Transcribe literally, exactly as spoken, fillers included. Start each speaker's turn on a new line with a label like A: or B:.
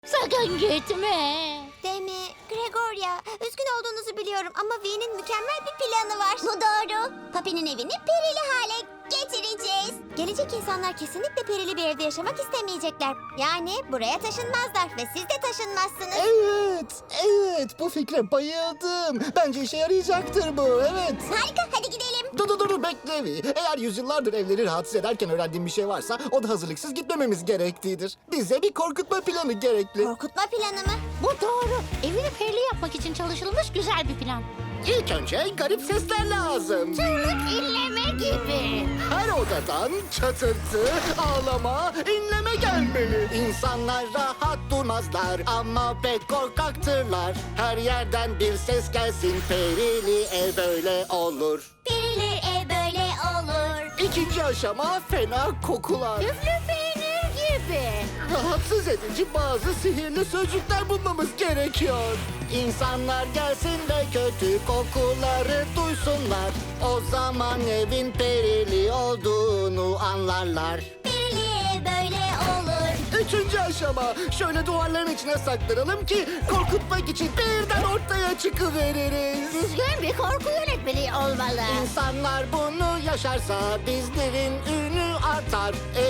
A: Sakın gitme.
B: Demi, Gregoria, üzgün olduğunuzu biliyorum ama V'nin mükemmel bir planı var. Bu doğru. Papi'nin evini perili hale getireceğiz. Gelecek insanlar kesinlikle perili bir evde yaşamak istemeyecekler. Yani buraya taşınmazlar ve siz de taşınmazsınız.
C: Evet, evet. Bu fikre bayıldım. Bence işe yarayacaktır bu, evet.
B: Harika, hadi gidelim.
C: Dur dur dur bekle bir. Eğer yüzyıllardır evleri rahatsız ederken öğrendiğim bir şey varsa o da hazırlıksız gitmememiz gerektiğidir. Bize bir korkutma planı gerekli.
B: Korkutma planı mı?
A: Bu doğru. Evini perili yapmak için çalışılmış güzel bir plan.
C: İlk önce garip sesler lazım.
A: Çığlık inleme gibi.
C: Her odadan çatırtı, ağlama, inleme gelmeli. İnsanlar rahat durmazlar ama pek korkaktırlar. Her yerden bir ses gelsin, perili ev böyle olur.
B: Perili ev böyle olur.
C: İkinci aşama fena kokular.
A: Üflü peynir gibi.
C: Rahatsız edici bazı sihirli sözcükler bulmamız gerekiyor. İnsanlar gelsin ve kötü kokuları duysunlar. O zaman evin perili olduğunu anlarlar.
B: Perili ev böyle olur.
C: Üçüncü aşama. Şöyle duvarların içine saklanalım ki korkutmak için birden ortaya çıkıveririz.
A: Düzgün bir korku yönetmeliği olmalı.
C: İnsanlar bunu yaşarsa bizlerin ünü artar.